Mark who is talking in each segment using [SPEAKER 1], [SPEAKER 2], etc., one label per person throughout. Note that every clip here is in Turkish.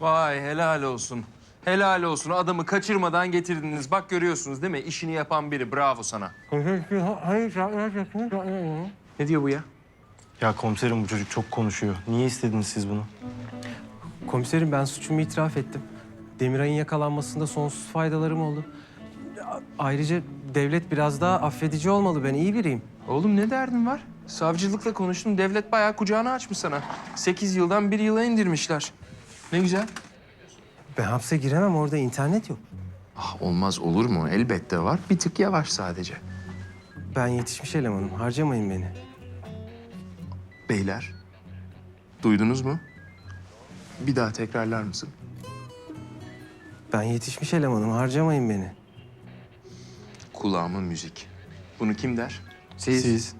[SPEAKER 1] Vay helal olsun. Helal olsun. Adamı kaçırmadan getirdiniz. Bak görüyorsunuz değil mi? İşini yapan biri. Bravo sana. Ne diyor bu ya?
[SPEAKER 2] Ya komiserim bu çocuk çok konuşuyor. Niye istediniz siz bunu?
[SPEAKER 3] Komiserim ben suçumu itiraf ettim. Demiray'ın yakalanmasında sonsuz faydalarım oldu. Ayrıca devlet biraz daha affedici olmalı. Ben iyi biriyim.
[SPEAKER 1] Oğlum ne derdin var? Savcılıkla konuştum. Devlet bayağı kucağını açmış sana. 8 yıldan 1 yıla indirmişler. Ne güzel.
[SPEAKER 3] Ben hapse giremem. Orada internet yok.
[SPEAKER 1] Ah, olmaz olur mu? Elbette var. Bir tık yavaş sadece.
[SPEAKER 3] Ben yetişmiş elemanım. Harcamayın beni.
[SPEAKER 1] Beyler, duydunuz mu? Bir daha tekrarlar mısın?
[SPEAKER 3] Ben yetişmiş elemanım. Harcamayın beni.
[SPEAKER 1] Kulağıma müzik. Bunu kim der?
[SPEAKER 2] Siz.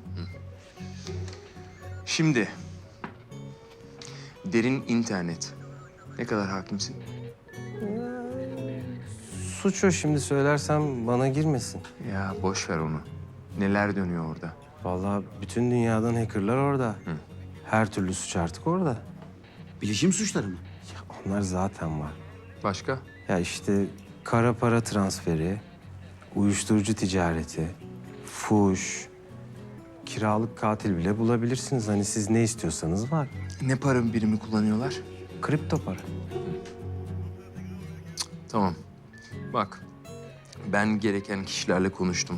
[SPEAKER 1] Şimdi, derin internet. Ne kadar hakimsin?
[SPEAKER 3] Suç o, şimdi söylersem bana girmesin.
[SPEAKER 1] Ya boş ver onu. Neler dönüyor orada?
[SPEAKER 3] Vallahi bütün dünyadan hackerlar orada. Her türlü suç artık orada.
[SPEAKER 4] Bilişim suçları mı?
[SPEAKER 3] Onlar zaten var.
[SPEAKER 1] Başka?
[SPEAKER 3] Ya işte kara para transferi, uyuşturucu ticareti, fuş, kiralık katil bile bulabilirsiniz. Hani siz ne istiyorsanız var.
[SPEAKER 1] Ne para birimi kullanıyorlar?
[SPEAKER 3] Kripto para.
[SPEAKER 1] Tamam. Bak, ben gereken kişilerle konuştum.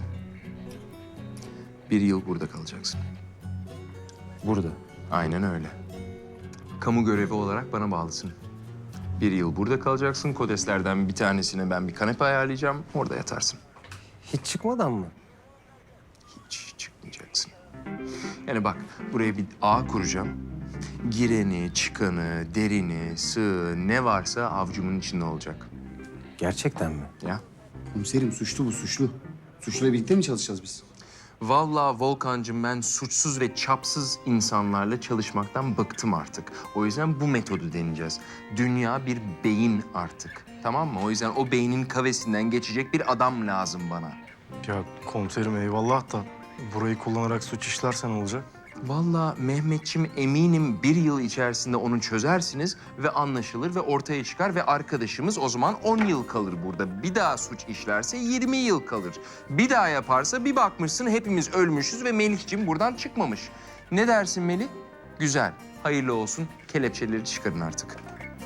[SPEAKER 1] 1 yıl burada kalacaksın.
[SPEAKER 3] Burada.
[SPEAKER 1] Aynen öyle. Kamu görevi olarak bana bağlısın. 1 yıl burada kalacaksın. Kodeslerden bir tanesine ben bir kanepe ayarlayacağım. Orada yatarsın.
[SPEAKER 3] Hiç çıkmadan mı?
[SPEAKER 1] Hiç çıkmayacaksın. Yani bak, buraya bir ağ kuracağım. Gireni, çıkanı, derini, sığı ne varsa avcumun içinde olacak.
[SPEAKER 3] Gerçekten mi?
[SPEAKER 1] Ya.
[SPEAKER 4] Komiserim suçlu bu suçlu. Suçluyla birlikte mi çalışacağız biz?
[SPEAKER 1] Vallahi Volkan'cığım ben suçsuz ve çapsız insanlarla çalışmaktan bıktım artık. O yüzden bu metodu deneyeceğiz. Dünya bir beyin artık. Tamam mı? O yüzden o beynin kavesinden geçecek bir adam lazım bana.
[SPEAKER 2] Ya komiserim eyvallah da burayı kullanarak suç işlersen olacak.
[SPEAKER 1] Vallahi Mehmetçim eminim 1 yıl içerisinde onu çözersiniz ve anlaşılır ve ortaya çıkar ve arkadaşımız o zaman 10 yıl kalır burada. Bir daha suç işlerse 20 yıl kalır. Bir daha yaparsa bir bakmışsın hepimiz ölmüşüz ve Melih'cim buradan çıkmamış. Ne dersin Melih? Güzel. Hayırlı olsun. Kelepçeleri çıkarın artık.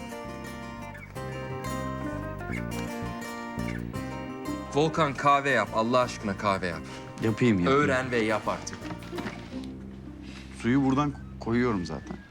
[SPEAKER 1] Volkan kahve yap. Allah aşkına kahve yap.
[SPEAKER 4] Yapayım.
[SPEAKER 1] Öğren ve yap artık.
[SPEAKER 4] Suyu buradan koyuyorum zaten.